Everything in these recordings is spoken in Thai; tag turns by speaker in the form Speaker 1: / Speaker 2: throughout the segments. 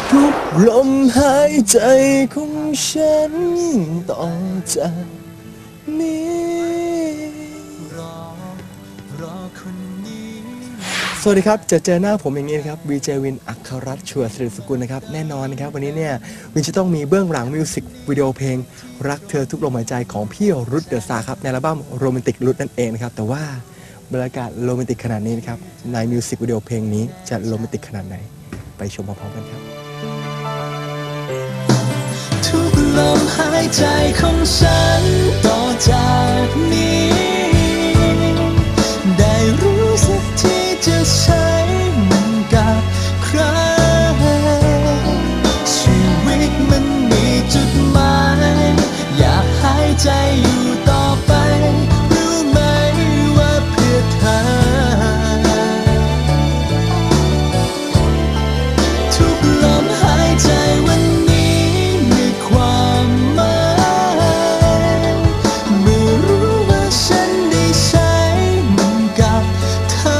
Speaker 1: ทุกลมหายใจของฉันต่อจากนี้สวัสดีครับเจอหน้าผมอย่างนี้นะครับวีเจวินอัครรัตน์ชัวร์ศิริสกุลนะครับแน่นอนนะครับวันนี้เนี่ยวินจะต้องมีเบื้องหลังมิวสิกวิดีโอเพลงรักเธอทุกลมหายใจของพี่รุทเดอะสตาร์ครับในอัลบั้มโรแมนติกรุทนั่นเองนะครับแต่ว่าบรรยากาศโรแมนติกขนาดนี้นะครับในมิวสิกวิดีโอเพลงนี้จะโรแมนติกขนาดไหนไปชมพร้อมๆกันครับ
Speaker 2: ทุกลมหายใจของฉันต่อจากนี้ได้รู้สึกที่จะใช้มันกับใครชีวิตมันมีจุดหมายอยากหายใจอยู่ต่อไปรู้ไหมว่าเพื่อเธอทุกลมหายใจวันนี้มีความหมายเมื่อรู้ว่าฉันได้ใช้มันกับเธอ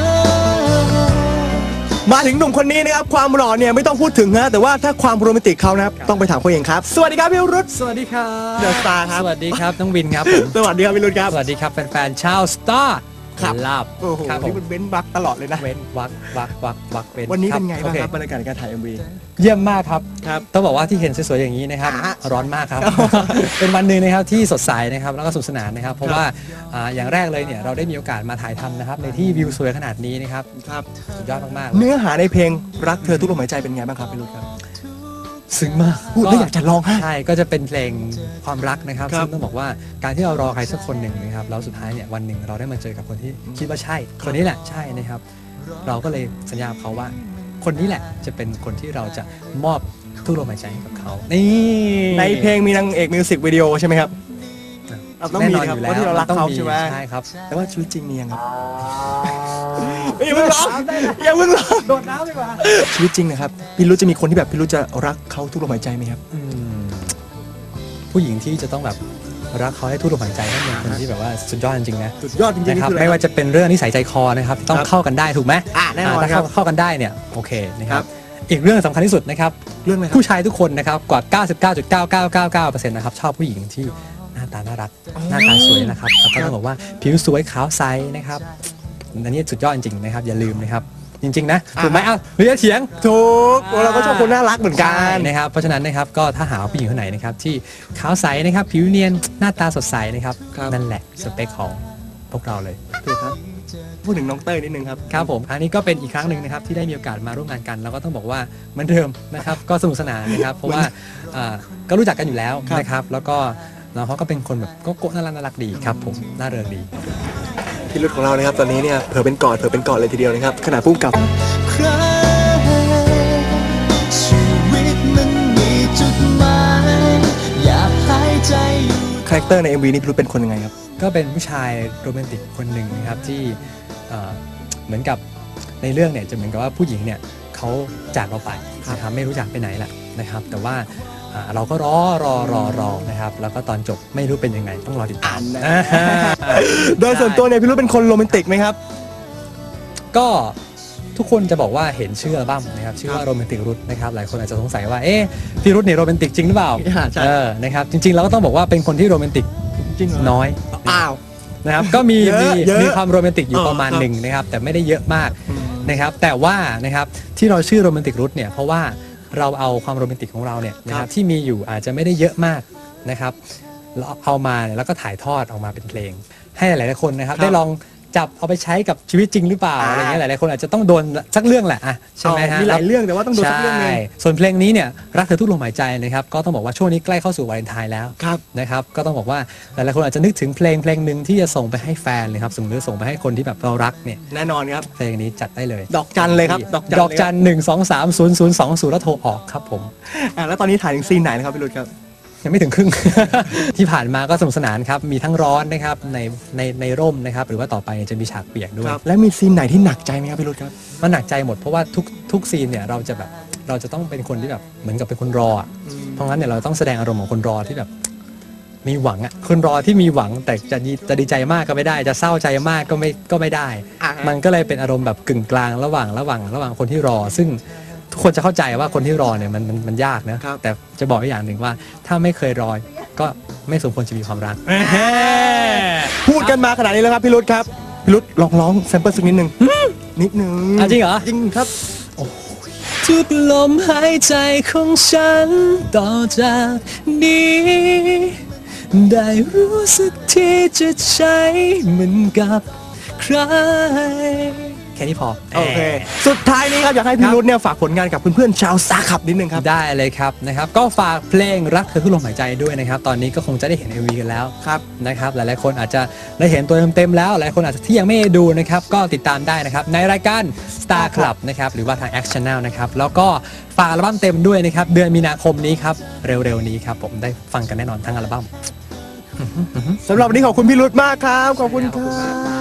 Speaker 1: มาถึงหนุ่มคนนี้นะครับความหล่อเนี่ยไม่ต้องพูดถึงนะแต่ว่าถ้าความโรแมนติกเขานะครับต้องไปถามเขาเองครับสวัสดีครับพี่รุท
Speaker 3: สวัสดีครับ
Speaker 1: เดอะสตาร์ครับ
Speaker 3: สวัสดีครับน้องวินครับผม
Speaker 1: สวัสดีครับพี่รุทครับ
Speaker 3: สวัสดีครับแฟนๆชาวสตาร์
Speaker 1: ครับ
Speaker 3: ลาบ
Speaker 1: โอ้โห
Speaker 3: ครับผ
Speaker 1: นี่
Speaker 3: ม
Speaker 1: มันเว้นวักตลอดเลยนะ
Speaker 3: เว้นวักเว้น
Speaker 1: วันนี้เป็นไง
Speaker 3: โอ
Speaker 1: บ้าง
Speaker 3: เค
Speaker 1: ครับบรรยากาศการถ่าย MV
Speaker 3: เยี่ยมมากครับ
Speaker 1: ครับ
Speaker 3: ต้องบอกว่าที่เห็นสวยๆอย่างนี้นะครับ
Speaker 1: อ่า
Speaker 3: ร้อนมากครับ เป็นวันหนึ่งนะครับที่สดใสนะครับแล้วก็สนุกสนานนะครับเพราะว่าอย่างแรกเลยเนี่ยเราได้มีโอกาสมาถ่ายทำนะครับในที่วิวสวยขนาดนี้นะครับ
Speaker 1: ครับ
Speaker 3: สุดยอดมากๆเลย
Speaker 1: เนื้อหาในเพลงรักเธอทุกลมหายใจเป็นไงบ้างครับพี่รุทครับ
Speaker 3: ซึ้งมาก
Speaker 1: พูดแล้วอยากจะร้องไห้
Speaker 3: ใช่ก็จะเป็นเพลงความรักนะครับ
Speaker 1: ครับ
Speaker 3: ซึ่งต้องบอกว่าการที่เรารอใครสักคนหนึ่งนะครับแล้วสุดท้ายเนี่ยวันหนึ่งเราได้มาเจอกับคนที่คิดว่าใช่คนนี้แหละใช่นะครับเราก็เลยสัญญากับเขาว่า คนนี้แหละจะเป็นคนที่เราจะมอบทุกลมหายใจให้กับเขานี่
Speaker 1: ในเพลงมีนางเอกมิวสิกวิดีโอใช่ไหมครับต้อง
Speaker 3: แน่
Speaker 1: มี
Speaker 3: นอน
Speaker 1: ครั
Speaker 3: อบ ยู่แล้ว
Speaker 1: เพราะที่เรารัก
Speaker 3: ต้อง
Speaker 1: เขา
Speaker 3: มี
Speaker 1: ใช่ไหม
Speaker 3: ใช่ครับ
Speaker 1: แต่ว่าชีวิตจริงมียังครับอย่าเพิ่งร้องอย่าเพิ่งร้อง
Speaker 3: โดดน้ำดีกว่า
Speaker 1: ชีวิตจริงนะครับพี่รุทจะมีคนที่แบบพี่รุทจะรักเขาทุกลมหายใจไหมครับ
Speaker 3: ผู้หญิงที่จะต้องแบบรักเขาให้ทุกลมหายใจต้องเป็นคนที่แบบว่าสุดยอดจริงๆนะ
Speaker 1: สุดยอดจริงๆ
Speaker 3: นะครับ
Speaker 1: นี่คืออะไร
Speaker 3: ไม่ว่าจะเป็นเรื่องนิสัยใจคอนะครับต้อง
Speaker 1: ครับ
Speaker 3: เข้ากันได้ถูกไหม
Speaker 1: แน่นอน
Speaker 3: ถ้า
Speaker 1: ครับ
Speaker 3: เข้ากันได้เนี่ยโอเคนะค
Speaker 1: ครั
Speaker 3: รับบ อีกเรื่องสำคัญที่สุดนะครับ
Speaker 1: เรื่องอะไรครับ
Speaker 3: ผู้ชายทุกคนนะครับกว่า 99.9999%นะครับชอบผู้หญิงที่หน้าตาน่ารักหน้าตาสวยนะครับแล้วก็ต้องบอกว่าผิวสวยขาวใสนะครับอันนี้สุดยอดจริงๆนะครับอย่าลืมนะครับจริงๆนะถูกไหมอ้าวเฮ้ยเถียง
Speaker 1: ถูกเราก็ชอบคนน่ารักเหมือนกั
Speaker 3: ใช่
Speaker 1: น
Speaker 3: นะครับเพราะฉะนั้นนะครับก็ถ้าหาผู้หญิงคนไหนนะครับที่ขาวใสนะครับผิวเนียนหน้าตาสดใสนะครับ
Speaker 1: ครับ
Speaker 3: นั่นแหละสเปคของพวกเราเลย
Speaker 1: ถูกครับพูดถึงน้องเต้ยนิดนึงครับ
Speaker 3: ครับผมอันนี้ก็เป็นอีกครั้งหนึ่งนะครับที่ได้มีโอกาสมาร่วมงานกันแล้วก็ต้องบอกว่าเหมือนเดิมนะครับ ก็สนุกสนานนะครับเพราะว่าก็รู้จักกันอยู่แล้ว
Speaker 1: ครับ
Speaker 3: นะครับแล้วก็น้องเขาก็เป็นคนแบบก็น่ารักดีครับผมน่าเริงดี
Speaker 1: พี่รุทของเรานะครับตอนนี้เนี่ยเผลอเป็นกอดเลยทีเดียวนะครับขณะพุ่งกับ
Speaker 2: ใครชีวิตมันมีจุดหมายอยากหายใจอยู่
Speaker 1: คาแรคเตอร์ใน MV นี้พี่รุทเป็นคนยังไงครับ
Speaker 3: ก็เป็นผู้ชายโรแมนติกคนหนึ่งนะครับที่เหมือนกับในเรื่องเนี่ยจะเหมือนกับว่าผู้หญิงเนี่ยเขาจากเราไปนะครับไม่รู้จักไปไหนแหละนะครับแต่ว่าเราก็รอนะครับแล้วก็ตอนจบไม่รู้เป็นยังไงต้องรอติดตาม
Speaker 1: โดยส่วนตัวเนี่ยพี่รุทเป็นคนโรแมนติกไหมครับ
Speaker 3: ก็ทุกคนจะบอกว่าเห็นชื่ออัลบั้มนะครับชื่อว่าโรแมนติกรุทนะครับหลายคนอาจจะสงสัยว่าเอ๊ะพี่รุทเนี่ยโรแมนติกจริงหรือเปล่า
Speaker 1: ใช่
Speaker 3: นะครับจริงๆเราก็ต้องบอกว่าเป็นคนที่โรแมนติก
Speaker 1: จริงเหรอ
Speaker 3: น้อย
Speaker 1: อ้าว
Speaker 3: นะครับก็มี
Speaker 1: เยอะเยอะ
Speaker 3: มีความโรแมนติกอยู่ประมาณ
Speaker 1: ครับ
Speaker 3: หนึ่งนะครับแต่ไม่ได้เยอะมาก
Speaker 1: อืม
Speaker 3: นะครับแต่ว่านะครับที่เราชื่อโรแมนติกรุทเนี่ยเพราะว่าเราเอาความโรแมนติกของเราเนี่ยนะครับที่มีอยู่อาจจะไม่ได้เยอะมากนะครับเราเอามาเนี่ยแล้วก็ถ่ายทอดออกมาเป็นเพลง ให้หลายๆคนนะครับได้ลองจับเอาไปใช้กับชีวิตจริงหรือเปล่าอะไรเงี้ยหลายๆคนอาจจะต้องโดนสักเรื่องแหละอ่ะใช่ไหมฮะ
Speaker 1: มีหลายเรื่องแต่ว่าต้องโดนสักเรื่องหนึง
Speaker 3: ใช่ส่วนเพลงนี้เนี่ยรักเธอทุกลมหายใจนะครับก็ต้องบอกว่าช่วงนี้ใกล้เข้าสู่วาเลนไทน์แล้ว
Speaker 1: ครับ
Speaker 3: นะครับก็ต้องบอกว่าหลายๆคนอาจจะนึกถึงเพลงหนึ่งที่จะส่งไปให้แฟนเลยครับส่งหรือส่งไปให้คนที่แบบเรารักเนี่ย
Speaker 1: แน่นอนครับ
Speaker 3: เพลงนี้จัดได้เลย
Speaker 1: ดอกจันเลยครับ
Speaker 3: ดอกจัน1230020แล้วโทรออกครับผม
Speaker 1: แล้วตอนนี้ถ่ายถึงซีนไหนนะครับพี่รุทครับ
Speaker 3: ยังไม่ถึงครึ่ง ที่ผ่านมาก็สนุกสนานครับมีทั้งร้อนนะครับในร่มนะครับหรือว่าต่อไปจะมีฉากเปียกด้วย
Speaker 1: แล้วมีซีนไหนที่หนักใจไหมครับพี่รุทครับ
Speaker 3: มันหนักใจหมดเพราะว่าทุกซีนเนี่ยเราจะต้องเป็นคนที่แบบเหมือนกับเป็นคนรออะเพราะงั้นเนี่ยเราต้องแสดงอารมณ์ของคนรอที่แบบ มีหวังอ่ะคนรอที่มีหวังแต่จะดีใจมากก็ไม่ได้ จะเศร้าใจมากก็ไม่ได้ มันก็เลยเป็นอารมณ์แบบกึ่งกลางระหว่างคนที่รอ ซึ่งกคนจะเข้าใจว่าคนที่รอเนี่ยมันยากนะครับ แต่จะบอกอีกอย่างหนึ่งว่าถ้าไม่เคยรอก็ไม่สมควรจะมีความรัก
Speaker 1: พูดกันมาขนาดนี้แล้วครับพี่รุธครับพี่รุธลองร้องแซมเปิลสักนิดหนึ่งนิดหนึ่ง
Speaker 3: จริงเหรอ
Speaker 1: จริงครับ
Speaker 2: ทุกลมหายใจของฉันต่อจากนี้ ได้รู้สึกที่จะใช้เหมือนกับใคร
Speaker 3: แค่นี้พอ
Speaker 1: โอเค สุดท้ายนี้ครับอยากให้พี่รุธเนี่ยฝากผลงานกับเพื่อนๆชาวซาขับนิดนึงครับ
Speaker 3: ได้เลยครับนะครับก็ฝากเพลงรักเธอทุกลมหายใจด้วยนะครับตอนนี้ก็คงจะได้เห็น MV กันแล้ว
Speaker 1: ครับ
Speaker 3: นะครับหลายๆคนอาจจะได้เห็นตัวเต็มๆแล้วหลายคนอาจจะที่ยังไม่ได้ดูนะครับก็ติดตามได้นะครับในรายการ Star Club นะครับหรือว่าทาง Action Channel นะครับแล้วก็ฝากอัลบั้มเต็มด้วยนะครับเดือนมีนาคมนี้ครับเร็วๆนี้ครับผมได้ฟังกันแน่นอนทั้งอัลบั้ม
Speaker 1: สำหรับวันนี้ขอบคุณพี่รุธมากครับ ขอบคุณครับ